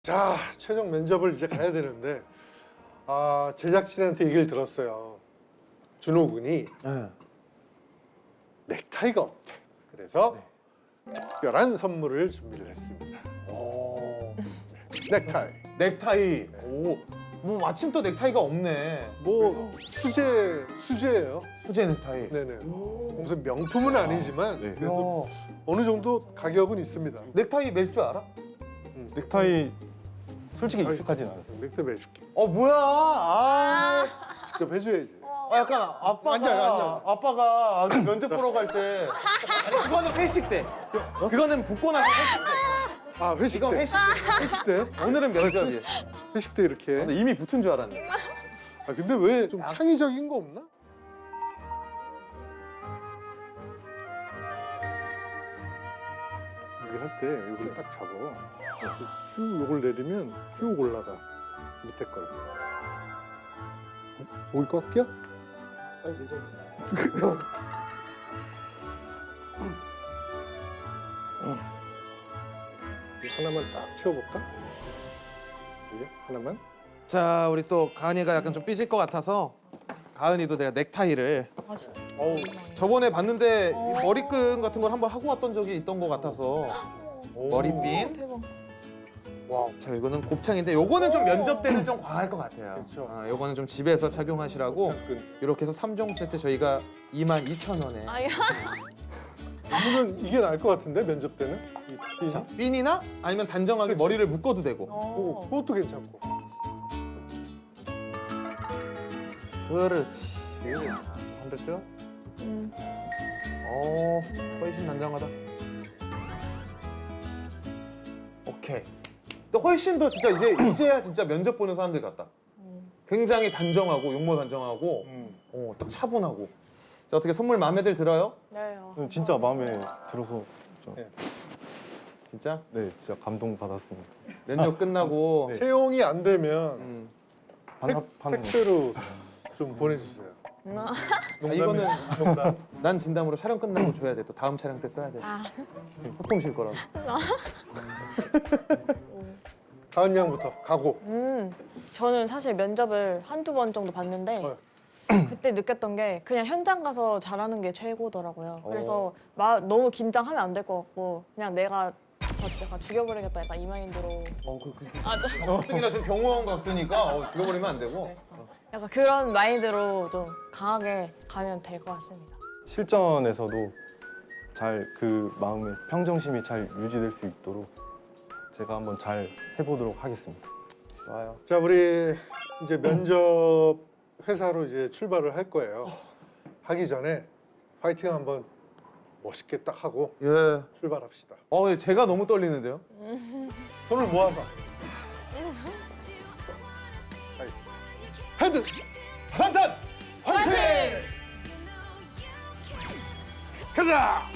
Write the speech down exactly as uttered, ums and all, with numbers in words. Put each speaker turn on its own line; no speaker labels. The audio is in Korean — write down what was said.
자, 최종 면접을 이제 가야 되는데 아, 제작진한테 얘기를 들었어요. 준호 군이
네.
넥타이가 없대. 그래서 특별한 선물을 준비를 했습니다.
오.
넥타이.
넥타이. 오. 뭐 마침 또 넥타이가 없네.
뭐 수제 수제예요.
수제 넥타이.
네네. 무슨 명품은 아니지만
네.
그래도
야.
어느 정도 가격은 있습니다.
넥타이 멜 줄 알아?
음.
넥타이 솔직히
아이,
익숙하진 않았어요.
넥타이 매줄게.
어 뭐야? 아.
직접 해줘야지.
아, 약간 아빠가
앉아, 앉아.
아빠가 아주 면접 보러 갈 때 아니 그거는 회식 때 그거는 붓고 나서 회식 때
아, 회식
이건
때.
회식 때
회식 때.
오늘은 면접이에요.
회식 때 이렇게.
근데 이미 붙은 줄 알았네.
아, 근데 왜 좀 창의적인 거 없나? 여기 할 때 이걸 딱 잡아. 그래서 쭉 요걸 내리면 쭉 올라가. 밑에 걸. 목이 꽉 껴? 아니, 괜찮아. 하나만 딱 채워볼까? 이게 하나만?
자 우리 또 가은이가 약간 좀 삐질 것 같아서 가은이도 내가 넥타이를
아 진짜.
어우,
저번에 봤는데 이 머리끈 같은 걸 한번 하고 왔던 적이 있던 것 같아서 머리핀.
대박.
와우.
자 이거는 곱창인데 요거는 좀 면접 때는 좀 과할 것 같아요.
그렇죠.
아, 요거는 좀 집에서 착용하시라고
끈.
이렇게 해서 삼 종 세트 저희가 이만 이천 원에
아야.
이거는 이게 나을 것 같은데 면접 때는 이
자,
핀이?
핀이나 아니면 단정하게
그치.
머리를 묶어도 되고.
오,
어.
그것도 괜찮고.
그렇지. 한댔죠?
음.
어, 훨씬 단정하다. 오케이. 근데 훨씬 더 진짜 이제 이제야 진짜 면접 보는 사람들 같다.
음.
굉장히 단정하고 용모 단정하고,
음.
어, 딱 차분하고. 자 어떻게 선물 마음에들 들어요?
네. 어.
저는 진짜 마음에 들어서 좀,
네.
진짜?
네, 진짜 감동 받았습니다.
면접 끝나고.
네.
채용이 안 되면
음.
반합하는 거.
택배로 좀 보내주세요.
나.
아,
농담이-
이거는
농담.
난 진담으로 촬영 끝나고 줘야 돼. 또 다음 촬영 때 써야 돼.
아.
소품 실 거라고.
가은 양부터 가고.
음. 저는 사실 면접을 한두 번 정도 봤는데
어.
그때 느꼈던 게 그냥 현장 가서 잘하는 게 최고더라고요.
어.
그래서 마, 너무 긴장하면 안 될 것 같고 그냥 내가 저 약간 죽여버리겠다 약간 이 마인드로
어, 그, 그,
아, 저,
어떻게나 지금 병원 갔으니까 어, 죽여버리면 안 되고.
네. 약간 그런 마인드로 좀 강하게 가면 될 것 같습니다.
실전에서도 잘 그 마음의 평정심이 잘 유지될 수 있도록 제가 한번 잘 해보도록 하겠습니다.
좋아요.
자, 우리 이제 면접 회사로 이제 출발을 할 거예요. 하기 전에 파이팅 한번 멋있게 딱 하고
예.
출발합시다.
어, 근데 제가 너무 떨리는데요?
손을 모아서. 헤드!
반탄!
화이팅! 가자!